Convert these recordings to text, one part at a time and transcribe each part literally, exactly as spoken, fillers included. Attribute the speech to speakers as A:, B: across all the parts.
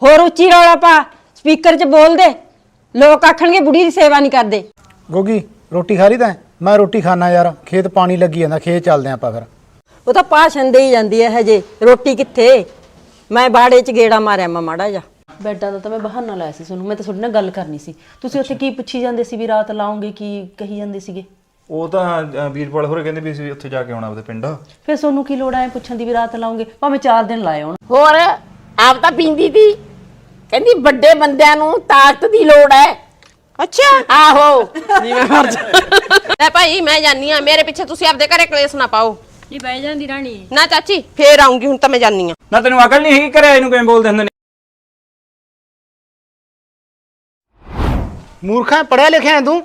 A: ਹੋਰ ਉੱਚੀ ਰੌਲਾ ਪਾ, ਸਪੀਕਰ 'ਚ ਬੋਲ ਦੇ। ਲੋਕ ਆਖਣਗੇ ਬੁੜੀ ਦੀ ਸੇਵਾ ਨਹੀਂ ਕਰਦੇ।
B: ਗੋਗੀ ਰੋਟੀ ਖਾ ਲਈ ਤੈਂ? ਮੈਂ ਰੋਟੀ ਖਾਣਾ ਯਾਰ, ਖੇਤ ਪਾਣੀ ਲੱਗੀ ਜਾਂਦਾ, ਖੇਤ ਚੱਲਦੇ ਆਪਾਂ ਫਿਰ।
A: ਉਹ ਤਾਂ ਭਾਸ਼ਣ ਦੇ ਹੀ ਜਾਂਦੀ ਹੈ ਹਜੇ, ਰੋਟੀ ਕਿੱਥੇ। ਮੈਂ ਬਾੜੇ 'ਚ ਗੇੜਾ ਮਾਰਿਆ ਮੈਂ ਮਾੜਾ ਜਾ।
C: ਬੈਡਾਂ ਦਾ ਤਾਂ ਮੈਂ ਬਹਾਨਾ ਲਾਇਆ ਸੀ ਤੁਹਾਨੂੰ, ਮੈਂ ਤਾਂ ਤੁਹਾਡੇ ਨਾਲ ਗੱਲ ਕਰਨੀ ਸੀ। ਤੁਸੀਂ ਉੱਥੇ ਕੀ ਪੁੱਛੀ ਜਾਂਦੇ ਸੀ ਵੀ ਰਾਤ ਲਾਉਂਗੇ, ਕੀ ਕਹੀ ਜਾਂਦੇ ਸੀਗੇ?
D: ਉਹ ਤਾਂ ਵੀਰਪਾਲ ਹੋਰੇ ਕਹਿੰਦੇ ਵੀ ਅਸੀਂ ਉੱਥੇ ਜਾ ਕੇ ਆਉਣਾ ਆਪਦੇ ਪਿੰਡ।
C: ਫਿਰ ਤੁਹਾਨੂੰ ਕੀ ਲੋੜ ਆਏ ਪੁੱਛਣ ਦੀ ਵੀ ਰਾਤ ਲਾਉਂਗੇ? ਭਾਵੇਂ ਚਾਰ ਦਿਨ ਲਾਏ ਆਉਣ।
E: ਹੋਰ ਆਪ ਤਾਂ ਪੀਂਦੀ ਤੀ, ਕਹਿੰਦੀ ਵੱਡੇ ਬੰਦਿਆਂ ਨੂੰ ਤਾਕਤ ਦੀ ਲੋੜ ਹੈ।
F: ਅੱਛਾ
E: ਆਹੋ
F: ਜਿਵੇਂ ਮਰ ਜਾ ਲੈ ਭਾਈ ਮੈਂ ਜਾਨੀ ਆ, ਮੇਰੇ ਪਿੱਛੇ ਤੁਸੀਂ ਆਪਦੇ ਘਰੇ ਕਲੇਸ਼ ਨਾ ਪਾਓ।
A: ਨਹੀਂ ਬਹਿ ਜਾਂਦੀ ਰਾਣੀ।
F: ਨਾ ਚਾਚੀ ਫੇਰ ਆਉਂਗੀ, ਹੁਣ ਤਾਂ ਮੈਂ ਜਾਨੀ ਆ।
G: ਨਾ ਤੈਨੂੰ ਅਕਲ ਨਹੀਂ ਹੈਗੀ, ਘਰੇ ਇਹਨੂੰ ਕਿਵੇਂ ਬੋਲਦੇ ਹੁੰਦੇ ਨੇ?
B: ਮੂਰਖਾਂ ਪੜਿਆ ਲਿਖਿਆ ਤੂੰ?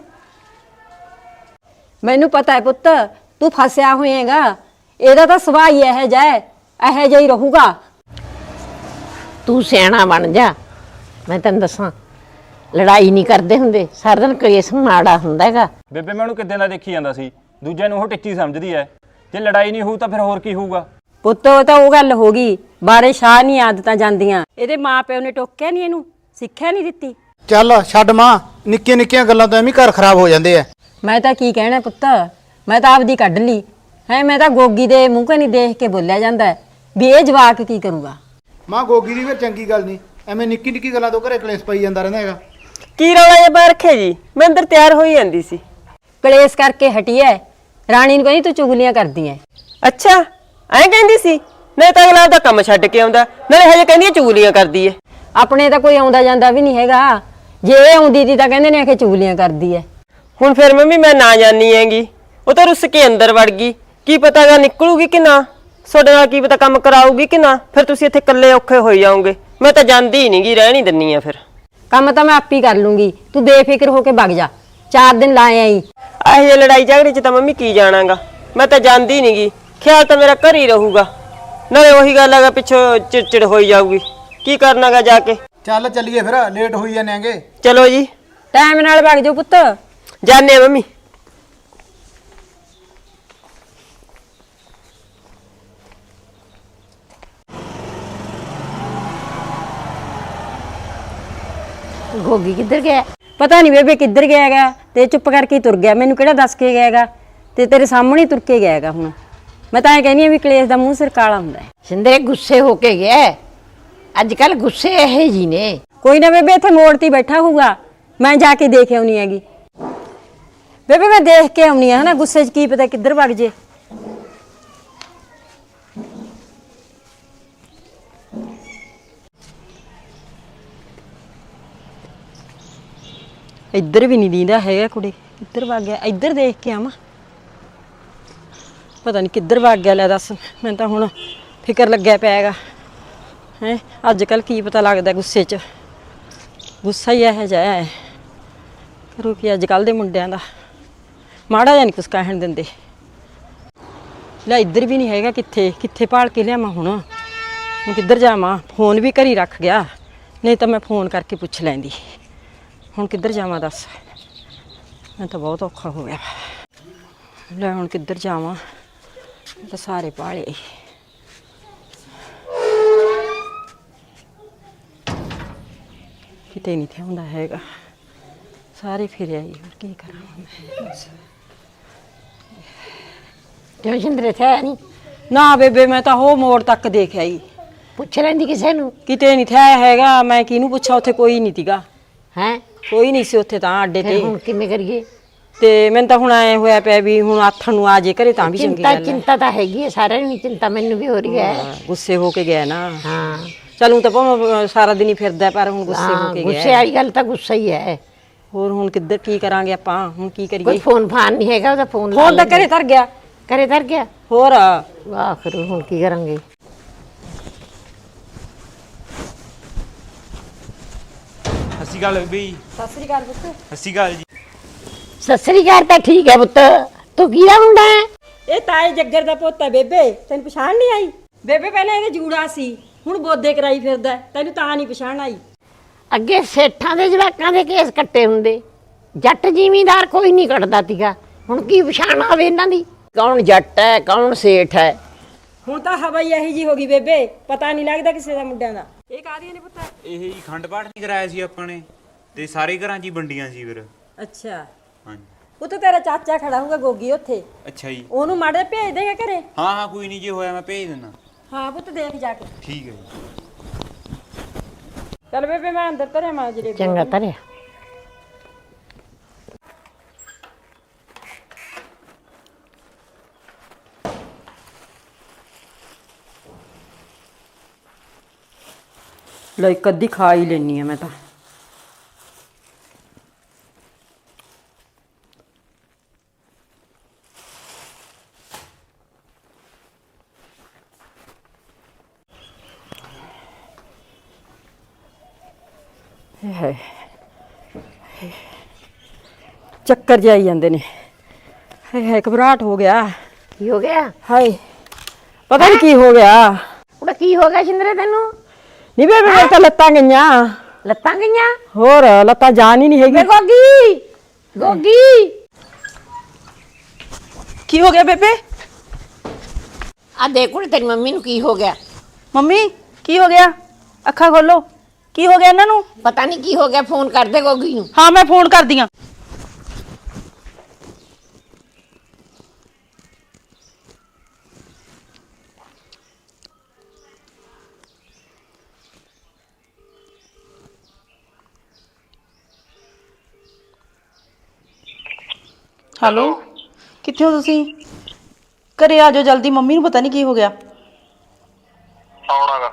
A: ਮੈਨੂੰ ਪਤਾ ਹੈ ਪੁੱਤ, ਤੂੰ ਫਸਿਆ ਹੋਏਗਾ। ਇਹਦਾ ਤਾਂ ਸੁਭਾਅ ਹੀ ਇਹੋ ਜਿਹਾ ਹੈ, ਇਹੋ ਜਿਹਾ ਹੀ ਰਹੂਗਾ।
E: ਤੂੰ ਸਿਆਣਾ ਬਣ ਜਾ। ਮੈਂ ਤੈਨੂੰ ਦੱਸਾਂ, ਲੜਾਈ ਨਹੀਂ ਕਰਦੇ ਹੁੰਦੇ, ਸਾਰਾ ਦਿਨ ਕਲੇਸ਼ ਮਾੜਾ ਹੁੰਦਾ ਹੈਗਾ।
G: ਬੇਬੇ ਮੈਂ ਉਹਨੂੰ ਕਿੱਦਾਂ ਦਾ ਦੇਖੀ ਜਾਂਦਾ ਸੀ, ਦੂਜਿਆਂ ਨੂੰ ਉਹ ਟਿੱਚੀ ਸਮਝਦੀ ਐ। ਜੇ ਲੜਾਈ ਨਹੀਂ ਹੋਊ ਤਾਂ ਫਿਰ ਹੋਰ ਕੀ ਹੋਊਗਾ?
A: ਪੁੱਤ ਉਹ ਤਾਂ ਉਹ ਗੱਲ ਹੋ ਗਈ, ਬਾਰੇ ਸ਼ਾਹ ਨਹੀਂ ਆਦਤਾਂ ਜਾਂਦੀਆਂ। ਇਹਦੇ ਮਾਂ ਪਿਓ ਨੇ ਟੋਕਿਆ ਨਹੀਂ ਇਹਨੂੰ, ਸਿੱਖਿਆ ਨਹੀਂ ਦਿੱਤੀ।
B: ਚੱਲ ਛੱਡ ਮਾਂ, ਨਿੱਕੀਆਂ ਨਿੱਕੀਆਂ ਗੱਲਾਂ ਤੋਂ ਐਵੇਂ ਘਰ ਖਰਾਬ ਹੋ ਜਾਂਦੇ ਆ।
A: ਮੈਂ ਤਾਂ ਕੀ ਕਹਿਣਾ ਪੁੱਤ, ਮੈਂ ਤਾਂ ਆਪਦੀ ਕੱਢ ਲਈ ਹੈ। ਮੈਂ ਤਾਂ ਗੋਗੀ ਦੇ ਮੂੰਹ ਕਨੀ ਦੇਖ ਕੇ ਬੋਲਿਆ ਜਾਂਦਾ ਵੀ ਇਹ ਜਵਾਕ ਕੀ ਕਰੂਗਾ।
B: ਮਾਂ ਗੋਗੀ ਦੀ ਫਿਰ ਚੰਗੀ ਗੱਲ ਨਹੀਂ, ਐਵੇਂ ਨਿੱਕੀ ਨਿੱਕੀ ਗੱਲਾਂ ਤੋਂ ਘਰੇ ਕਲੇਸ਼ ਪਈ ਜਾਂਦਾ ਰਹਿੰਦਾ ਹੈਗਾ।
F: ਕੀ ਰੌਲਾ ਜਿਹਾ ਪਾ ਰੱਖਿਆ ਜੀ? ਮੈਂ ਅੰਦਰ ਤਿਆਰ ਹੋਈ ਜਾਂਦੀ ਸੀ।
A: ਕਲੇਸ਼ ਕਰਕੇ ਹਟੀ ਐ। ਰਾਣੀ ਨੂੰ ਕਹਿੰਦੀ ਤੂੰ ਚੁਗਲੀਆਂ ਕਰਦੀ ਐ।
F: ਅੱਛਾ ਐਂ ਕਹਿੰਦੀ ਸੀ? ਨਹੀਂ ਤਾਂ ਅਗਲਾ ਦਾ ਕੰਮ ਛੱਡ ਕੇ ਆਉਂਦਾ, ਨਾਲੇ ਹਜੇ ਕਹਿੰਦੀ ਚੁਗਲੀਆਂ ਕਰਦੀ ਐ।
A: ਆਪਣੇ ਤਾਂ ਕੋਈ ਆਉਂਦਾ ਜਾਂਦਾ ਵੀ ਨਹੀਂ ਹੈਗਾ, ਜੇ ਇਹ ਆਉਂਦੀ ਦੀ ਤਾਂ ਕਹਿੰਦੇ ਨੇ ਕਿ ਚੁਗਲੀਆਂ ਕਰਦੀ ਐ।
F: ਹੁਣ ਫਿਰ ਮੰਮੀ ਮੈਂ ਨਾ ਜਾਣੀ ਹੈਗੀ, ਉਹ ਤਾਂ ਰੁੱਸ ਕੇ ਅੰਦਰ ਵੜ ਗਈ। ਕੀ ਪਤਾਗਾ ਨਿਕਲੂਗੀ ਕਿ ਨਾ, ਤੁਹਾਡੇ ਨਾਲ ਕੀ ਪਤਾ ਕੰਮ ਕਰਾਊਗੀ ਕਿ ਨਾ। ਫਿਰ ਤੁਸੀਂ ਇੱਥੇ ਇਕੱਲੇ ਔਖੇ ਹੋਈ ਜਾਓਗੇ। ਮੈਂ ਤਾਂ ਜਾਂਦੀ ਹੀ ਨਹੀਂ ਗੀ, ਰਹਿ ਨਹੀਂ ਦਿੰਨੀ ਆ। ਫਿਰ
A: ਕੰਮ ਤਾਂ ਮੈਂ ਆਪ ਹੀ ਕਰ ਲੂੰਗੀ, ਤੂੰ ਬੇਫਿਕਰ ਹੋ ਕੇ ਵਗ ਜਾ। ਚਾਰ ਦਿਨ ਲਾਏ ਆਈ।
F: ਇਹੋ ਜਿਹੀ ਲੜਾਈ ਝਗੜੇ 'ਚ ਤਾਂ ਮੰਮੀ ਕੀ ਜਾਣਾਗਾ। ਮੈਂ ਤਾਂ ਜਾਂਦੀ ਨਹੀਂ ਗੀ, ਖਿਆਲ ਤਾਂ ਮੇਰਾ ਘਰ ਹੀ ਰਹੂਗਾ। ਨਾਲੇ ਉਹੀ ਗੱਲ ਹੈਗਾ, ਪਿੱਛੋਂ ਚਿੜਚਿੜ ਹੋਈ ਜਾਊਗੀ। ਕੀ ਕਰਨਾਗਾ ਜਾ ਕੇ?
B: ਚੱਲ ਚੱਲੀਏ ਫਿਰ, ਲੇਟ ਹੋਈ ਜਾਂਦੇ ਆਂਗੇ।
F: ਚਲੋ ਜੀ,
A: ਟਾਈਮ ਨਾਲ ਵਗ ਜਾਓ ਪੁੱਤ।
F: ਜਾਣੇ ਆ ਮੰਮੀ।
E: ਗੋਗੀ ਕਿੱਧਰ ਗਿਆ?
A: ਪਤਾ ਨਹੀਂ ਬੇਬੇ ਕਿੱਧਰ ਗਿਆ ਹੈਗਾ, ਤੇ ਚੁੱਪ ਕਰਕੇ ਹੀ ਤੁਰ ਗਿਆ। ਮੈਨੂੰ ਕਿਹੜਾ ਦੱਸ ਕੇ ਗਿਆ ਹੈਗਾ, ਤੇ ਤੇਰੇ ਸਾਹਮਣੇ ਹੀ ਤੁਰ ਕੇ ਗਿਆ ਹੈਗਾ। ਹੁਣ ਮੈਂ ਤਾਂ ਇਹ ਕਹਿੰਦੀ ਆ ਵੀ ਕਲੇਸ਼ ਦਾ ਮੂੰਹ ਸਿਰ ਕਾਲਾ ਹੁੰਦਾ ਹੈ।
E: ਸਿੰਦਰੇ ਗੁੱਸੇ ਹੋ ਕੇ ਗਿਆ। ਅੱਜ ਕੱਲ ਗੁੱਸੇ ਇਹ ਜੀ ਨੇ।
A: ਕੋਈ ਨਾ ਬੇਬੇ, ਇੱਥੇ ਮੋੜ ਤੇ ਬੈਠਾ ਹੋਊਗਾ, ਮੈਂ ਜਾ ਕੇ ਦੇਖ ਆਉਣੀ ਹੈਗੀ। ਬੇਬੇ ਮੈਂ ਦੇਖ ਕੇ ਆਉਣੀ ਆ, ਹਨਾ ਗੁੱਸੇ 'ਚ ਕੀ ਪਤਾ ਕਿੱਧਰ ਵਗ ਜੇ। ਇੱਧਰ ਵੀ ਨਹੀਂ ਦੀਂਦਾ ਹੈਗਾ ਕੁੜੀ, ਇੱਧਰ ਵਗ ਗਿਆ। ਇੱਧਰ ਦੇਖ ਕੇ ਆਵਾਂ, ਪਤਾ ਨਹੀਂ ਕਿੱਧਰ ਵਗ ਗਿਆ। ਲੈ ਦੱਸ, ਮੈਨੂੰ ਤਾਂ ਹੁਣ ਫਿਕਰ ਲੱਗਿਆ ਪਿਆ ਹੈਗਾ ਹੈ। ਅੱਜ ਕੱਲ੍ਹ ਕੀ ਪਤਾ ਲੱਗਦਾ ਗੁੱਸੇ 'ਚ, ਗੁੱਸਾ ਹੀ ਇਹੋ ਜਿਹਾ ਹੈ। ਕਰੂ ਕੀ ਅੱਜ ਕੱਲ੍ਹ ਦੇ ਮੁੰਡਿਆਂ ਦਾ, ਮਾੜਾ ਜਿਹਾ ਨਹੀਂ ਕੁਛ ਕਹਿਣ ਦਿੰਦੇ। ਲੈ ਇੱਧਰ ਵੀ ਨਹੀਂ ਹੈਗਾ, ਕਿੱਥੇ ਕਿੱਥੇ ਭਾਲ ਕੇ ਲਿਆਵਾਂ ਹੁਣ। ਹੁਣ ਕਿੱਧਰ ਜਾਵਾਂ? ਫੋਨ ਵੀ ਘਰ ਹੀ ਰੱਖ ਗਿਆ, ਨਹੀਂ ਤਾਂ ਮੈਂ ਫੋਨ ਕਰਕੇ ਪੁੱਛ ਲੈਂਦੀ। ਹੁਣ ਕਿੱਧਰ ਜਾਵਾਂ ਦੱਸ, ਮੈਂ ਤਾਂ ਬਹੁਤ ਔਖਾ ਹੋ ਗਿਆ। ਲੈ ਹੁਣ ਕਿੱਧਰ ਜਾਵਾਂ, ਤਾਂ ਸਾਰੇ ਭਾਲੇ। ਕਿਤੇ ਨਹੀਂ ਥਿਆ ਹੁੰਦਾ ਹੈਗਾ, ਸਾਰੇ ਫਿਰ ਆਈ। ਹੋਰ ਕੀ ਕਰਾਂ ਮੈਂ?
E: ਕਿਉਂ ਸਿੰਦਰੇ ਥਿਆ ਨਹੀਂ?
A: ਨਾ ਬੇਬੇ, ਮੈਂ ਤਾਂ ਉਹ ਮੋੜ ਤੱਕ ਦੇਖ ਆਈ,
E: ਪੁੱਛ ਲੈਂਦੀ ਕਿਸੇ ਨੂੰ।
A: ਕਿਤੇ ਨਹੀਂ ਥਿਆ ਹੈਗਾ। ਮੈਂ ਕਿਹਨੂੰ ਪੁੱਛਾਂ, ਉੱਥੇ ਕੋਈ ਨਹੀਂ ਤੀਗਾ।
E: ਹੈ
A: ਕੋਈ ਨਹੀਂ ਸੀ ਉੱਥੇ ਤਾਂ ਅੱਡੇ
E: ਫਿਰ
A: ਤੇ।
E: ਹੁਣ ਕਿਵੇਂ ਕਰੀਏ?
A: ਤੇ ਮੈਨੂੰ ਤਾਂ ਹੁਣ ਐ ਹੋਇਆ ਪਿਆ ਵੀ ਹੁਣ ਆਥਣ ਨੂੰ ਆ ਜੇ ਘਰੇ ਤਾਂ ਵੀ ਚੰਗੀ
E: ਚਿੰਤਾ
A: ਗੱਲ ਹੈ।
E: ਚਿੰਤਾ ਤਾਂ ਹੈਗੀ ਹੈ, ਸਾਰਿਆਂ ਨੂੰ ਚਿੰਤਾ, ਮੈਨੂੰ ਵੀ ਹੋ ਰਹੀ ਹੈ।
A: ਗੁੱਸੇ ਹੋ ਕੇ ਗਿਆ ਨਾ।
E: ਹਾਂ
A: ਚਲੂੰ ਤਾਂ ਭਾਵੇਂ ਸਾਰਾ ਦਿਨ ਹੀ ਫਿਰਦਾ, ਪਰ ਹੁਣ ਗੁੱਸੇ ਹੋ ਕੇ
E: ਗੁੱਸੇ
A: ਗਿਆ।
E: ਵਾਲੀ ਗੱਲ ਤਾਂ ਗੁੱਸਾ ਹੀ ਹੈ।
A: ਹੋਰ ਹੁਣ ਕਿੱਧਰ ਕੀ ਕਰਾਂਗੇ ਆਪਾਂ, ਹੁਣ ਕੀ
E: ਕੋਈ
A: ਕਰੀਏ?
E: ਫੋਨ ਫਾਨ ਨਹੀਂ ਹੈਗਾ ਉਹਦਾ? ਫੋਨ
A: ਫੋਨ ਤਾਂ ਘਰੇ ਧਰ ਗਿਆ।
E: ਘਰੇ ਧਰ ਗਿਆ?
A: ਹੋਰ
E: ਵਾਹ, ਫਿਰ ਹੁਣ ਕੀ ਕਰਾਂਗੇ?
G: ਸਤਿ ਸ਼੍ਰੀ ਅਕਾਲ ਬੀਬੀ।
A: ਸਤਿ ਸ੍ਰੀ ਅਕਾਲ ਪੁੱਤ।
G: ਸਤਿ ਸ਼੍ਰੀ ਅਕਾਲ ਜੀ।
E: ਸਤਿ ਸ੍ਰੀ ਅਕਾਲ ਤਾਂ ਠੀਕ ਹੈ ਪੁੱਤ, ਤੂੰ ਕਿਹਦਾ ਮੁੰਡਾ ਹੈ?
A: ਇਹ ਤਾਏ ਜੱਗਰ ਦਾ ਪੁੱਤ ਹੈ ਬੇਬੇ, ਤੈਨੂੰ ਪਛਾਣ ਨਹੀਂ ਆਈ? ਬੇਬੇ ਪਹਿਲਾਂ ਇਹਦੇ ਜੂੜਾ ਸੀ, ਹੁਣ ਬੋਦੇ ਕਰਾਈ ਫਿਰਦਾ, ਤੈਨੂੰ ਤਾਂ ਨਹੀਂ ਪਛਾਣ ਆਈ?
E: ਅੱਗੇ ਸੇਠਾਂ ਦੇ ਜਵਾਕਾਂ ਦੇ ਕੇਸ ਕੱਟੇ ਹੁੰਦੇ, ਜੱਟ ਜ਼ਿਮੀਂਦਾਰ ਕੋਈ ਨਹੀਂ ਕੱਟਦਾ ਤੀਗਾ। ਹੁਣ ਕੀ ਪਛਾਣ ਆਵੇ ਇਹਨਾਂ ਦੀ, ਕੌਣ ਜੱਟ ਹੈ ਕੌਣ ਸੇਠ ਹੈ?
A: ਹੁਣ ਤਾਂ ਹਵਾ ਹੀ ਇਹੀ ਜੀ ਹੋ ਗਈ ਬੇਬੇ, ਪਤਾ ਨਹੀਂ ਲੱਗਦਾ ਕਿਸੇ ਦਾ ਮੁੰਡਿਆਂ ਦਾ। ਇਹ ਕਾਹਦੀਆਂ ਨੇ ਪੁੱਤ?
H: ਇਹ ਜੀ ਖੰਡ ਪਾਠ ਨਹੀਂ ਕਰਾਇਆ ਸੀ ਆਪਾਂ ਨੇ ਤੇ ਸਾਰੇ ਘਰਾਂ 'ਚ ਹੀ ਵੰਡੀਆਂ ਸੀ ਫਿਰ।
A: ਅੱਛਾ
H: ਹਾਂਜੀ।
A: ਪੁੱਤ ਤੇਰਾ ਚਾਚਾ ਖੜਾ ਹੋਊਗਾ ਗੋਗੀ ਉੱਥੇ,
H: ਅੱਛਾ ਜੀ।
A: ਉਹਨੂੰ ਮਾੜੇ ਭੇਜ ਦੇਗਾ ਘਰੇ।
H: ਹਾਂ ਹਾਂ ਕੋਈ ਨਹੀਂ, ਜੇ ਹੋਇਆ ਮੈਂ ਭੇਜ ਦਿੰਦਾ।
A: ਹਾਂ ਪੁੱਤ ਦੇਖ ਜਾ ਕੇ।
H: ਠੀਕ ਹੈ ਜੀ।
A: ਚੱਲ ਬੇਬੇ ਮੈਂ ਅੰਦਰ ਧਰਿਆ ਮਾਂ ਜਲੇਬੀ।
E: ਚੰਗਾ ਧਰਿਆ।
A: ਲੈ ਇੱਕ ਅੱਧੀ ਖਾ ਹੀ ਲੈਣੀ ਆ ਮੈਂ ਤਾਂ। ਹਾਏ ਚੱਕਰ ਜਾਈ ਜਾਂਦੇ ਨੇ। ਹਾਏ ਹਾਏ ਘਬਰਾਹਟ ਹੋ ਗਿਆ।
E: ਕੀ ਹੋ ਗਿਆ?
A: ਹਾਏ ਪਤਾ ਨਹੀਂ ਕੀ ਹੋ ਗਿਆ।
E: ਉਹਦਾ ਕੀ ਹੋ ਗਿਆ ਸ਼ਿੰਦਰੇ ਤੈਨੂੰ?
A: ਨਹੀਂ ਬੇਬੇ ਮੇਰੇ ਤਾਂ ਲੱਤਾਂ ਗਈਆਂ।
E: ਲੱਤਾਂ ਗਈਆਂ?
A: ਹੋਰ ਲੱਤਾਂ ਜਾਨ ਹੀ ਨਹੀਂ ਹੈਗੀ।
E: ਵੇ ਗੋਗੀ, ਗੋਗੀ
C: ਕੀ ਹੋ ਗਿਆ ਬੇਬੇ?
E: ਆ ਦੇਖ ਕੁੜੇ ਤੇਰੀ ਮੰਮੀ ਨੂੰ ਕੀ ਹੋ ਗਿਆ।
C: ਮੰਮੀ ਕੀ ਹੋ ਗਿਆ? ਅੱਖਾਂ ਖੋਲੋ। ਕੀ ਹੋ ਗਿਆ ਇਹਨਾਂ ਨੂੰ?
E: ਪਤਾ ਨਹੀਂ ਕੀ ਹੋ ਗਿਆ, ਫੋਨ ਕਰ ਦੇ ਗੋਗੀ ਨੂੰ।
C: ਹਾਂ ਮੈਂ ਫੋਨ ਕਰਦੀ ਆਂ। ਹੈਲੋ, ਕਿੱਥੇ ਹੋ ਤੁਸੀਂ? ਘਰੇ ਆ ਜਾਓ ਜਲਦੀ, ਮੰਮੀ ਨੂੰ ਪਤਾ ਨਹੀਂ ਕੀ ਹੋ ਗਿਆ।
I: ਆਉਣਾਗਾ।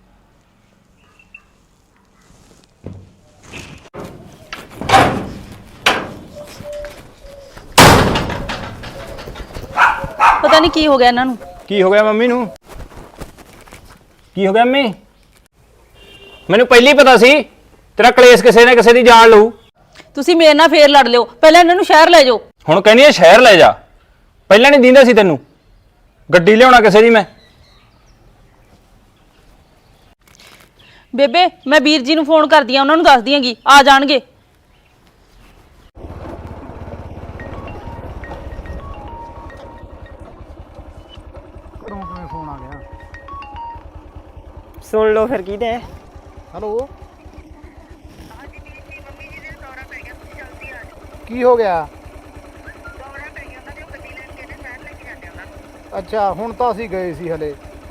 C: ਪਤਾ ਨਹੀਂ ਕੀ ਹੋ ਗਿਆ ਇਹਨਾਂ ਨੂੰ।
G: ਕੀ ਹੋ ਗਿਆ ਮੰਮੀ ਨੂੰ? ਕੀ ਹੋ ਗਿਆ ਮੰਮੀ? ਮੈਨੂੰ ਪਹਿਲਾਂ ਹੀ ਪਤਾ ਸੀ ਤੇਰਾ ਕਲੇਸ਼ ਕਿਸੇ ਨਾ ਕਿਸੇ ਦੀ ਜਾਨ ਲਊ।
C: ਤੁਸੀਂ ਮੇਰੇ ਨਾਲ ਫੇਰ ਲੜ ਲਿਓ, ਪਹਿਲਾਂ ਇਹਨਾਂ ਨੂੰ ਸ਼ਹਿਰ ਲੈ ਜਾਓ।
G: ਹੁਣ ਕਹਿੰਦੀ ਐ ਸ਼ਹਿਰ ਲੈ ਜਾ, ਪਹਿਲਾਂ ਨਹੀਂ ਦਿੰਦਾ ਸੀ ਤੈਨੂੰ? ਗੱਡੀ ਲਿਆਉਣਾ ਕਿਸੇ ਦੀ ਮੈਂ।
C: ਬੇਬੇ ਮੈਂ ਵੀਰ ਜੀ ਨੂੰ ਫੋਨ ਕਰਦੀ ਆ, ਉਹਨਾਂ ਨੂੰ ਦੱਸ ਦਿਆਂਗੀ, ਆ ਜਾਣਗੇ।
B: ਫੋਨ ਆ ਗਿਆ।
F: ਸੁਣ ਲਓ ਫਿਰ ਕੀ ਦੇ।
B: ਹੈਲੋ ਕੀ ਹੋ ਗਿਆ? ਅੱਛਾ ਹੁਣ ਤਾਂ ਅਸੀਂ ਗਏ ਸੀ ਹਲੇ,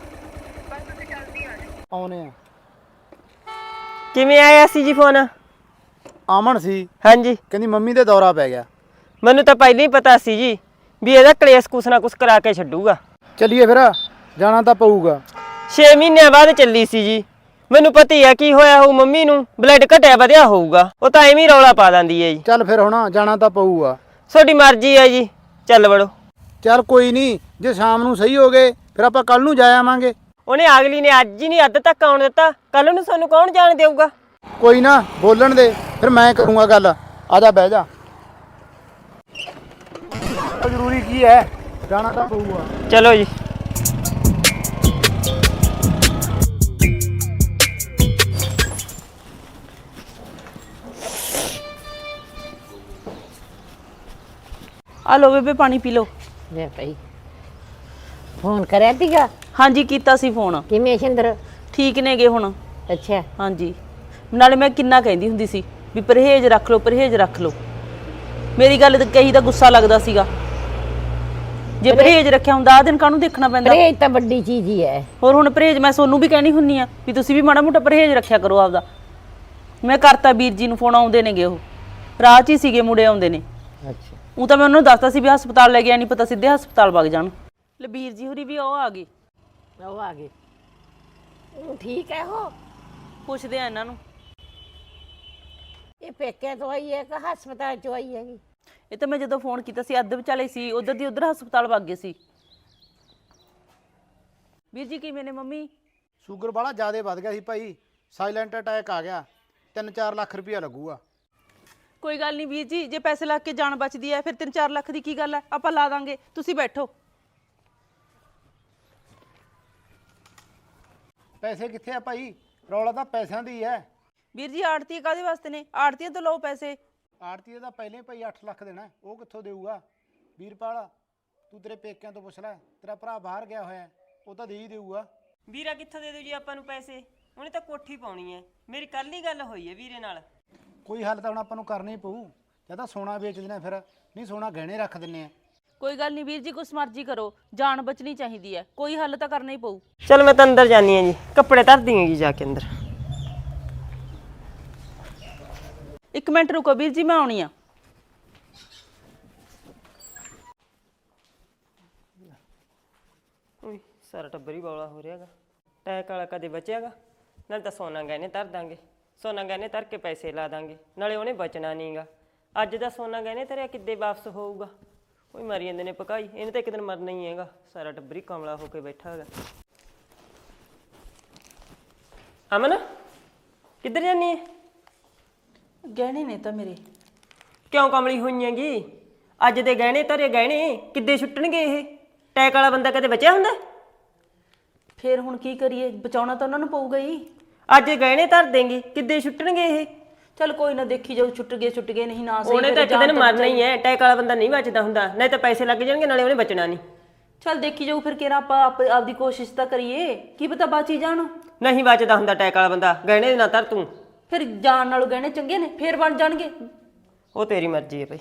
B: ਆਉਨੇ ਆ।
F: ਕਿਵੇਂ ਆਇਆ ਸੀ ਜੀ ਫੋਨ?
B: ਆਮਣ ਸੀ,
F: ਹਾਂਜੀ
B: ਕਹਿੰਦੀ ਮੰਮੀ ਦੇ ਦੌਰਾ ਪੈ ਗਿਆ।
F: ਮੈਨੂੰ ਤਾਂ ਪਹਿਲਾਂ ਹੀ ਪਤਾ ਸੀ ਜੀ ਵੀ ਇਹਦਾ ਕਲੇਸ਼ ਕੁਛ ਨਾ ਕੁਛ ਕਰਾ ਕੇ ਛੱਡੂਗਾ।
B: ਚੱਲੀਏ ਫਿਰ, ਜਾਣਾ ਤਾਂ ਪਊਗਾ।
F: ਛੇ ਮਹੀਨਿਆਂ ਬਾਅਦ ਚੱਲੀ ਸੀ ਜੀ। ਮੈਨੂੰ ਪਤਾ ਹੀ ਆ ਕੀ ਹੋਇਆ ਹੋਊ ਮੰਮੀ ਨੂੰ, ਬਲੱਡ ਘਟਿਆ ਵਧਿਆ ਹੋਊਗਾ। ਉਹ ਤਾਂ ਐਵੇਂ ਹੀ ਰੌਲਾ ਪਾ ਦਿੰਦੀ ਹੈ ਜੀ।
B: ਚੱਲ ਫਿਰ ਹੁਣ ਜਾਣਾ ਤਾਂ ਪਊਗਾ।
F: ਤੁਹਾਡੀ ਮਰਜ਼ੀ ਹੈ ਜੀ, ਚੱਲ ਵੜੋ।
B: ਚੱਲ ਕੋਈ ਨਹੀਂ, ਜੇ ਸ਼ਾਮ ਨੂੰ ਸਹੀ ਹੋ ਗਏ ਫਿਰ ਆਪਾਂ ਕੱਲ ਨੂੰ ਜਾ ਆਵਾਂਗੇ।
F: ਉਹਨੇ ਅਗਲੀ ਨੇ ਅੱਜ ਹੀ ਨਹੀਂ ਅੱਧ ਤੱਕ ਆਉਣ ਦਿੱਤਾ, ਕੱਲ ਨੂੰ ਸਾਨੂੰ ਕੌਣ ਜਾਣ ਦੇਊਗਾ?
B: ਕੋਈ ਨਾ ਬੋਲਣ ਦੇ, ਫਿਰ ਮੈਂ ਕਰੂੰਗਾ ਗੱਲ। ਆ ਜਾ ਬਹਿ ਜਾ। ਜ਼ਰੂਰੀ ਕੀ ਹੈ, ਜਾਣਾ ਤਾਂ ਪਊਗਾ।
F: ਚਲੋ ਜੀ।
C: ਆ ਲਓ ਬੇਬੇ ਪਾਣੀ ਪੀ ਲਓ।
E: ਲੈ ਭਾਈ ਫੋਨ ਕਰਿਆ ਤੀਗਾ?
C: ਹਾਂਜੀ ਕੀਤਾ ਸੀ ਫੋਨ।
E: ਕਿਵੇਂ ਸ਼ਿੰਦਰ?
C: ਠੀਕ ਨੇਗੇ ਹੁਣ।
E: ਅੱਛਾ
C: ਹਾਂਜੀ, ਨਾਲੇ ਮੈਂ ਕਿੰਨਾ ਕਹਿੰਦੀ ਹੁੰਦੀ ਸੀ ਵੀ ਪਰਹੇਜ਼ ਰੱਖ ਲਓ, ਪਰਹੇਜ਼ ਰੱਖ ਲਓ। ਮੇਰੀ ਗੱਲ ਤੇ ਕਹੀ ਤਾਂ ਗੁੱਸਾ ਲੱਗਦਾ ਸੀਗਾ। ਜੇ ਪਰਹੇਜ਼ ਰੱਖਿਆ ਹੁੰਦਾ ਆ ਦਿਨ ਕਾਹਨੂੰ ਦੇਖਣਾ ਪੈਂਦਾ?
E: ਪਰਹੇਜ਼ ਤਾਂ ਵੱਡੀ ਚੀਜ਼ ਹੀ ਹੈ।
C: ਹੋਰ ਹੁਣ ਪਰਹੇਜ਼ ਮੈਂ ਸੋਨੂੰ ਵੀ ਕਹਿਣੀ ਹੁੰਨੀ ਆ ਵੀ ਤੁਸੀਂ ਵੀ ਮਾੜਾ ਮੋਟਾ ਪਰਹੇਜ਼ ਰੱਖਿਆ ਕਰੋ ਆਪਦਾ। ਮੈਂ ਕਰਤਾ ਵੀਰ ਜੀ ਨੂੰ ਫੋਨ, ਆਉਂਦੇ ਨੇਗੇ, ਉਹ ਰਾਹ 'ਚ ਹੀ ਸੀਗੇ, ਮੁੰਡੇ ਆਉਂਦੇ ਨੇ।
E: ਅੱਛਾ
C: ਉਹ ਤਾਂ ਮੈਂ ਉਹਨਾਂ ਨੂੰ ਦੱਸਤਾ ਸੀ ਵੀ ਹਸਪਤਾਲ ਲੈ ਗਿਆ, ਨਹੀਂ ਪਤਾ ਸਿੱਧੇ ਹਸਪਤਾਲ ਵਗ ਜਾਣ। ਲੈ ਵੀਰ ਜੀ ਹੋਰੀ ਵੀ ਉਹ ਆ ਗਏ।
E: ਉਹ ਆ ਗਏ। ਉਹ ਠੀਕ ਹੈ। ਉਹ
C: ਪੁੱਛਦੇ ਆ ਇਹਨਾਂ ਨੂੰ।
E: ਇਹ ਪੇਕੇ ਤੋਂ ਆਈ ਹੈ ਕਿ ਹਸਪਤਾਲ ਚੋਂ ਆਈ ਹੈਗੀ?
C: ਇਹ ਤਾਂ ਮੈਂ ਜਦੋਂ ਫੋਨ ਕੀਤਾ ਸੀ ਅੱਧ ਵਿਚਾਲੇ ਸੀ, ਉਧਰ ਦੀ ਉਧਰ ਹਸਪਤਾਲ ਵਗ ਗਏ ਸੀ। ਵੀਰ ਜੀ ਕਿਵੇਂ ਨੇ ਮੰਮੀ?
B: ਸ਼ੂਗਰ ਵਾਲਾ ਜ਼ਿਆਦਾ ਵੱਧ ਗਿਆ ਸੀ ਭਾਈ, ਸਾਇਲੈਂਟ ਅਟੈਕ ਆ ਗਿਆ। ਤਿੰਨ ਚਾਰ ਲੱਖ ਰੁਪਇਆ ਲੱਗੂਗਾ।
C: ਕੋਈ ਗੱਲ ਨਹੀਂ ਵੀਰ ਜੀ, ਜੇ ਪੈਸੇ ਲੱਗ ਕੇ ਜਾਨ ਬਚਦੀ ਹੈ ਫਿਰ ਤਿੰਨ ਚਾਰ ਲੱਖ ਦੀ ਕੀ ਗੱਲ ਹੈ, ਆਪਾਂ ਲਾ ਦਾਂਗੇ। ਤੁਸੀਂ ਬੈਠੋ।
B: ਪੈਸੇ ਕਿੱਥੇ ਆ ਭਾਈ? ਰੌਲਾ ਤਾਂ ਪੈਸਿਆਂ ਦੀ ਹੈ।
C: ਵੀਰ ਜੀ ਆੜਤੀ ਕਾਹਦੇ ਵਾਸਤੇ ਨੇ? ਆੜਤੀਆਂ ਤੋਂ ਲਓ ਪੈਸੇ।
B: ਆੜਤੀਏ ਦਾ ਪਹਿਲੇ ਭਾਈ ਅੱਠ ਲੱਖ ਦੇਣਾ, ਉਹ ਕਿੱਥੋਂ ਦੇਊਗਾ? ਵੀਰਪਾਲ ਤੂੰ ਤੇਰੇ ਪੇਕਿਆਂ ਤੋਂ ਪੁੱਛ ਲੈ, ਤੇਰਾ ਭਰਾ ਬਾਹਰ ਗਿਆ ਹੋਇਆ, ਉਹ ਤਾਂ ਦੇ ਹੀ ਦੇਊਗਾ।
F: ਵੀਰਾ ਕਿੱਥੋਂ ਦੇ ਦਿਓ ਜੀ ਆਪਾਂ ਨੂੰ ਪੈਸੇ? ਉਹਨੇ ਤਾਂ ਕੋਠੀ ਪਾਉਣੀ ਹੈ। ਮੇਰੀ ਕੱਲ ਹੀ ਗੱਲ ਹੋਈ ਹੈ ਵੀਰੇ ਨਾਲ।
B: ਕੋਈ ਹੱਲ ਤਾਂ ਹੁਣ ਆਪਾਂ ਨੂੰ ਕਰਨਾ ਹੀ ਪਊ। ਜਾਂ ਤਾਂ ਸੋਨਾ ਵੇਚ ਦਿੰਦੇ ਆ ਫਿਰ, ਨਹੀਂ ਸੋਨਾ ਗਹਿਣੇ ਰੱਖ ਦਿੰਨੇ ਆ।
C: ਕੋਈ ਗੱਲ ਨਹੀਂ ਵੀਰ ਜੀ, ਕੁਛ ਮਰਜ਼ੀ ਕਰੋ, ਜਾਨ ਬਚਣੀ ਚਾਹੀਦੀ ਹੈ, ਕੋਈ ਹੱਲ ਤਾਂ ਕਰਨਾ ਹੀ ਪਊ।
F: ਚਲ ਮੈਂ ਤਾਂ ਅੰਦਰ ਜਾਨੀ ਆ ਜੀ, ਕੱਪੜੇ ਧਰ ਦਿਆਂਗੀ ਜਾ ਕੇ ਅੰਦਰ।
C: ਇੱਕ ਮਿੰਟ ਰੁਕੋ ਵੀਰ ਜੀ, ਮੈਂ ਆਉਣੀ ਆ।
F: ਉਈ ਸਾਰਾ ਟੱਬਰ ਹੀ ਬੌਲਾ ਹੋ ਰਿਹਾਗਾ। ਟੈਕ ਵਾਲਾ ਕਦੇ ਬਚਿਆਗਾ? ਨਾਲੇ ਤਾਂ ਸੋਨਾ ਗਹਿਣੇ ਧਰ ਦਾਂਗੇ, ਸੋਨਾ ਗਹਿਣੇ ਧਰ ਕੇ ਪੈਸੇ ਲਾ ਦਾਂਗੇ, ਨਾਲੇ ਉਹਨੇ ਬਚਣਾ ਨਹੀਂਗਾ। ਅੱਜ ਦਾ ਸੋਨਾ ਗਹਿਣੇ ਧਰਿਆ ਕਿੱਦੇ ਵਾਪਸ ਹੋਊਗਾ? ਕੋਈ ਮਰੀ ਜਾਂਦੇ ਨੇ ਪਕਾਈ, ਇਹਨੇ ਤਾਂ ਇੱਕ ਦਿਨ ਮਰਨਾ ਹੀ ਹੈਗਾ। ਸਾਰਾ ਟੱਬਰ ਹੀ ਕਮਲਾ ਹੋ ਕੇ ਬੈਠਾ ਹੈਗਾ। ਅਮਨ ਕਿੱਧਰ ਜਾਨੀ ਹੈ?
C: ਗਹਿਣੇ ਨੇ ਤਾਂ ਮੇਰੇ।
F: ਕਿਉਂ ਕਮਲੀ ਹੋਈ ਹੈਗੀ? ਅੱਜ ਦੇ ਗਹਿਣੇ ਧਰੇ ਗਹਿਣੇ ਕਿੱਦੇ ਛੁੱਟਣਗੇ ਇਹ? ਟੈਕ ਵਾਲਾ ਬੰਦਾ ਕਦੇ ਬਚਿਆ ਹੁੰਦਾ?
C: ਫੇਰ ਹੁਣ ਕੀ ਕਰੀਏ, ਬਚਾਉਣਾ ਤਾਂ ਉਹਨਾਂ ਨੂੰ ਪਊਗਾ ਹੀ।
F: ਅੱਜ ਗਹਿਣੇ ਧਰ ਦੇਂਗੀ, ਕਿੱਦੇ ਛੁੱਟਣਗੇ ਇਹ?
C: ਚੱਲ ਕੋਈ ਨਾ, ਦੇਖੀ ਜਾਊ, ਛੁੱਟ ਗਏ ਛੁੱਟ ਗਏ, ਨਹੀਂ ਨਾ ਸਹੀ।
F: ਉਹਨੇ ਤਾਂ ਇੱਕ ਦਿਨ ਮਰਨਾ ਹੀ ਹੈ। ਟੈਕ ਵਾਲਾ ਬੰਦਾ ਨਹੀਂ ਬਚਦਾ ਹੁੰਦਾ, ਨਹੀਂ ਤਾਂ ਪੈਸੇ ਲੱਗ ਜਾਣਗੇ, ਨਾਲੇ ਉਹਨੇ ਬਚਣਾ ਨਹੀਂ।
C: ਚੱਲ ਦੇਖੀ ਜਾਊ ਫਿਰ, ਕਿਹੜਾ ਆਪਾਂ ਆਪ- ਆਪਦੀ ਕੋਸ਼ਿਸ਼ ਤਾਂ ਕਰੀਏ, ਕੀ ਪਤਾ ਬਾਚੀ ਜਾਣ।
F: ਨਹੀਂ ਬਚਦਾ ਹੁੰਦਾ ਟੈਕ ਵਾਲਾ ਬੰਦਾ, ਗਹਿਣੇ ਨਾ ਧਰ ਤੂੰ।
C: ਫਿਰ ਜਾਣ ਨਾਲੋਂ ਗਹਿਣੇ ਚੰਗੇ ਨੇ, ਫੇਰ ਬਣ ਜਾਣਗੇ।
F: ਉਹ ਤੇਰੀ ਮਰਜ਼ੀ ਹੈ ਭਾਈ।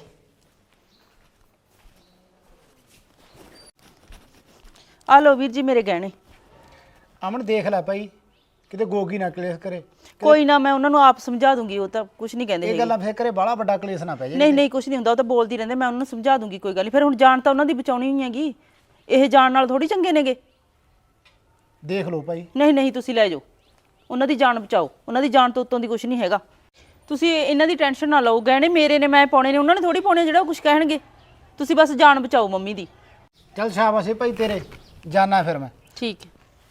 C: ਆ ਲਓ ਵੀਰ ਜੀ ਮੇਰੇ ਗਹਿਣੇ।
B: ਅਮਨ ਦੇਖ ਲੈ ਭਾਈ, ਕਿਤੇ ਗੋਗੀ ਨਾ ਕਲੇਸ਼ ਕਰੇ।
C: ਕੋਈ ਨਾ, ਮੈਂ ਉਹਨਾਂ ਨੂੰ ਆਪ ਸਮਝਾ ਦੂੰਗੀ, ਉਹ ਤਾਂ ਕੁਝ ਨਹੀਂ ਕਹਿੰਦੇ
B: ਇਹ
C: ਹੈਗੇ।
B: ਗੱਲਾਂ ਫੇਰ ਕਰੇ ਬਾਹਲਾ ਵੱਡਾ ਕਲੇਸ਼ ਨਾ ਪੈ ਜਾਏ।
C: ਨਹੀਂ ਨਹੀਂ, ਕੁਝ ਨਹੀਂ ਹੁੰਦਾ, ਉਹ ਤਾਂ ਬੋਲਦੀ ਰਹਿੰਦੇ, ਮੈਂ ਉਹਨਾਂ ਨੂੰ ਸਮਝਾ ਦੂੰਗੀ, ਕੋਈ ਗੱਲ ਨਹੀਂ। ਫਿਰ ਹੁਣ ਜਾਨ ਤਾਂ ਉਹਨਾਂ ਦੀ ਬਚਾਉਣੀ ਹੀ ਹੈਗੀ, ਇਹ ਜਾਨ ਨਾਲ ਥੋੜੀ ਚੰਗੇ ਨੇਗੇ।
B: ਦੇਖ ਲਓ ਭਾਈ।
C: ਨਹੀਂ ਨਹੀਂ, ਤੁਸੀਂ ਲੈ ਜਾਓ, ਉਹਨਾਂ ਦੀ ਜਾਨ ਬਚਾਓ, ਉਹਨਾਂ ਦੀ ਜਾਨ ਤੋਂ ਉੱਤੋਂ ਦੀ ਕੁਝ ਨਹੀਂ ਹੈਗਾ। ਤੁਸੀਂ ਇਹਨਾਂ ਦੀ ਟੈਨਸ਼ਨ ਨਾ ਲਓ, ਗਹਿਣੇ ਮੇਰੇ ਨੇ, ਮੈਂ ਪਾਉਣੇ ਨੇ, ਉਹਨਾਂ ਨੇ ਥੋੜੀ ਪਾਉਣੇ ਜਿਹੜਾ ਉਹ ਕੁਝ ਕਹਿਣਗੇ। ਤੁਸੀਂ ਬਸ ਜਾਨ ਬਚਾਓ ਮੰਮੀ ਦੀ।
B: ਚੱਲ ਸ਼ਾਬਾਸ਼ ਏ ਭਾਈ ਤੇਰੇ, ਜਾਨਾ ਫਿਰ ਮੈਂ।
C: ਠੀਕ ਹੈ।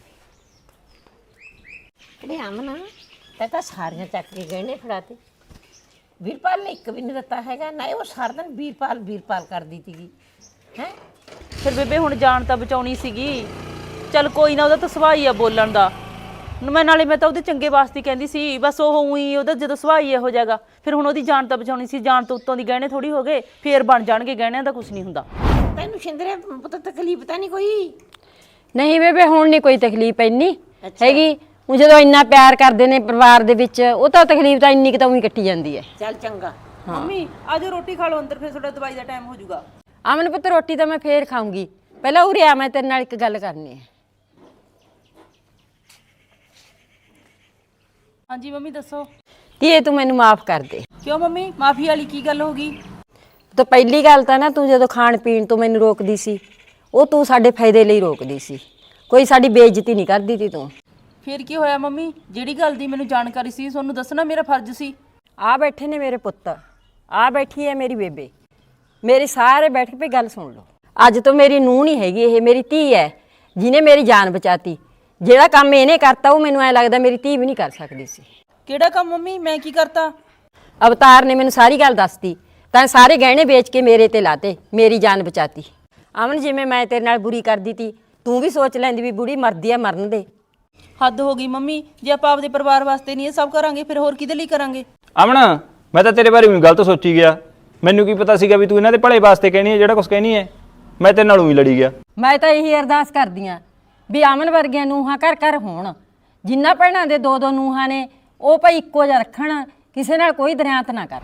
E: ਕਿਹੜੇ ਅਮਨ ਤੇ ਤਾਂ ਸਾਰੀਆਂ ਚੱਕ ਕੇ ਗਹਿਣੇ ਫੜਾਤੇ। ਵੀਰਪਾਲ ਨੇ ਇੱਕ ਵੀ ਨਹੀਂ ਦਿੱਤਾ ਹੈਗਾ ਨਾ। ਉਹ ਸਾਰਾ ਦਿਨ ਵੀਰਪਾਲ ਵੀਰਪਾਲ ਕਰਦੀ ਸੀਗੀ ਹੈ।
C: ਫਿਰ ਬੇਬੇ ਹੁਣ ਜਾਨ ਤਾਂ ਬਚਾਉਣੀ ਸੀਗੀ। ਚੱਲ ਕੋਈ ਨਾ, ਉਹਦਾ ਤਾਂ ਸੁਭਾਅ ਹੀ ਆ ਬੋਲਣ ਦਾ। ਮੈਂ ਨਾਲੇ ਮੈਂ ਤਾਂ ਉਹਦੇ ਚੰਗੇ ਵਾਸਤੇ ਕਹਿੰਦੀ ਸੀ, ਬਸ ਉਹ ਉਹੀ ਉਹਦਾ ਜਦੋਂ ਸੁਭਾਅ ਹੀ ਇਹੋ ਜਿਹਾਗਾ। ਫਿਰ ਹੁਣ ਉਹਦੀ ਜਾਨ ਤਾਂ ਬਚਾਉਣੀ ਸੀ, ਜਾਨ ਤੋਂ ਉੱਤੋਂ ਦੀ ਗਹਿਣੇ ਥੋੜੀ ਹੋ ਗਏ, ਫੇਰ ਬਣ ਜਾਣਗੇ, ਗਹਿਣਿਆਂ ਦਾ ਕੁਝ ਨਹੀਂ ਹੁੰਦਾ।
E: ਤੈਨੂੰ ਸ਼ਿੰਦਰੇ ਪੁੱਤ ਤਕਲੀਫ ਤਾਂ ਨਹੀਂ ਕੋਈ?
A: ਨਹੀਂ ਬੇਬੇ, ਹੁਣ ਨਹੀਂ ਕੋਈ ਤਕਲੀਫ ਇੰਨੀ ਹੈਗੀ। ਉਹ ਜਦੋਂ ਇੰਨਾ ਪਿਆਰ ਕਰਦੇ ਨੇ ਪਰਿਵਾਰ ਦੇ ਵਿੱਚ, ਉਹ ਤਾਂ ਤਕਲੀਫ ਤਾਂ ਇੰਨੀ ਕਿ ਤਾਂ ਉਹੀ ਕੱਟੀ ਜਾਂਦੀ ਹੈ।
E: ਚੱਲ ਚੰਗਾ।
C: ਮੰਮੀ ਆਜੋ ਰੋਟੀ ਖਾ ਲਓ ਅੰਦਰ, ਫਿਰ ਤੁਹਾਡਾ ਦਵਾਈ ਦਾ ਟਾਈਮ ਹੋ ਜਾਊਗਾ।
A: ਅਮਨ ਪੁੱਤ, ਰੋਟੀ ਤਾਂ ਮੈਂ ਫੇਰ ਖਾਊਂਗੀ, ਪਹਿਲਾਂ ਉਰੇ ਆ, ਮੈਂ ਤੇਰੇ ਨਾਲ ਇੱਕ ਗੱਲ ਕਰਨੀ ਹੈ।
C: ਹਾਂਜੀ ਮੰਮੀ ਦੱਸੋ।
A: ਧੀਏ ਤੂੰ ਮੈਨੂੰ ਮਾਫ ਕਰ ਦੇ।
C: ਕਿਉਂ ਮੰਮੀ, ਮਾਫੀ ਵਾਲੀ ਕੀ ਗੱਲ ਹੋ ਗਈ?
A: ਤਾਂ ਪਹਿਲੀ ਗੱਲ ਤਾਂ ਨਾ, ਤੂੰ ਜਦੋਂ ਖਾਣ ਪੀਣ ਤੋਂ ਮੈਨੂੰ ਰੋਕਦੀ ਸੀ, ਉਹ ਤੂੰ ਸਾਡੇ ਫਾਇਦੇ ਲਈ ਰੋਕਦੀ ਸੀ, ਕੋਈ ਸਾਡੀ ਬੇਇੱਜ਼ਤੀ ਨਹੀਂ ਕਰਦੀ ਤੀ ਤੂੰ।
C: ਫਿਰ ਕੀ ਹੋਇਆ ਮੰਮੀ, ਜਿਹੜੀ ਗੱਲ ਦੀ ਮੈਨੂੰ ਜਾਣਕਾਰੀ ਸੀ ਤੁਹਾਨੂੰ ਦੱਸਣਾ ਮੇਰਾ ਫਰਜ਼ ਸੀ।
A: ਆ ਬੈਠੇ ਨੇ ਮੇਰੇ ਪੁੱਤ, ਆ ਬੈਠੀ ਹੈ ਮੇਰੀ ਬੇਬੇ, ਮੇਰੀ ਸਾਰੇ ਬੈਠ ਕੇ ਗੱਲ ਸੁਣ ਲਓ। ਅੱਜ ਤੋਂ ਮੇਰੀ ਨੂੰਹ ਨਹੀਂ ਹੈਗੀ, ਇਹ ਮੇਰੀ ਧੀ ਹੈ, ਜਿਹਨੇ ਮੇਰੀ ਜਾਨ ਬਚਾਤੀ। ਜਿਹੜਾ ਕੰਮ ਇਹਨੇ ਕਰਤਾ, ਉਹ ਮੈਨੂੰ ਐ ਲੱਗਦਾ ਮੇਰੀ ਧੀ ਵੀ ਨਹੀਂ ਕਰ ਸਕਦੀ ਸੀ।
C: ਕਿਹੜਾ ਕੰਮ ਮੰਮੀ, ਮੈਂ ਕੀ ਕਰਤਾ?
A: ਅਵਤਾਰ ਨੇ ਮੈਨੂੰ ਸਾਰੀ ਗੱਲ ਦੱਸਤੀ, ਤਾਂ ਸਾਰੇ ਗਹਿਣੇ ਵੇਚ ਕੇ ਮੇਰੇ ਤੇ ਲਾਤੇ, ਮੇਰੀ ਜਾਨ ਬਚਾਤੀ। ਅਮਨ, ਜਿਵੇਂ ਮੈਂ ਤੇਰੇ ਨਾਲ ਬੁਰੀ ਕਰਦੀ ਤੀ, ਤੂੰ ਵੀ ਸੋਚ ਲੈਂਦੀ ਵੀ ਬੁੜੀ ਮਰਦੀ ਆ, ਮਰਨ ਦੇ।
C: ਹੱਦ ਹੋ ਗਈ ਮੰਮੀ, ਜੇ ਆਪਾਂ ਆਪਦੇ ਪਰਿਵਾਰ ਵਾਸਤੇ ਨਹੀਂ ਇਹ ਸਭ ਕਰਾਂਗੇ, ਫਿਰ ਹੋਰ ਕਿਹਦੇ ਲਈ ਕਰਾਂਗੇ?
G: ਅਮਨ, ਮੈਂ ਤਾਂ ਤੇਰੇ ਬਾਰੇ ਵੀ ਗਲਤ ਸੋਚੀ ਗਿਆ। ਮੈਨੂੰ ਕੀ ਪਤਾ ਸੀਗਾ ਵੀ ਤੂੰ ਇਹਨਾਂ ਦੇ ਭਲੇ ਵਾਸਤੇ ਕਹਿਣੀ ਹੈ ਜਿਹੜਾ ਕੁਝ ਕਹਿਣੀ ਹੈ। ਮੈਂ ਤੇਰੇ ਨਾਲ ਉਹੀ ਲੜੀ ਗਿਆ।
A: ਮੈਂ ਤਾਂ ਇਹੀ ਅਰਦਾਸ ਕਰਦੀ ਆਂ ਵੀ ਅਮਨ ਵਰਗੀਆਂ ਨੂੰਹਾਂ ਘਰ ਘਰ ਹੋਣ। ਜਿੰਨਾ ਭੈਣਾਂ ਦੇ ਦੋ ਦੋ ਨੂੰਹਾਂ ਨੇ, ਉਹ ਭਾਈ ਇੱਕੋ ਜਿਹਾ ਰੱਖਣ, ਕਿਸੇ ਨਾਲ ਕੋਈ ਦਰਿਆਤ ਨਾ ਕਰ।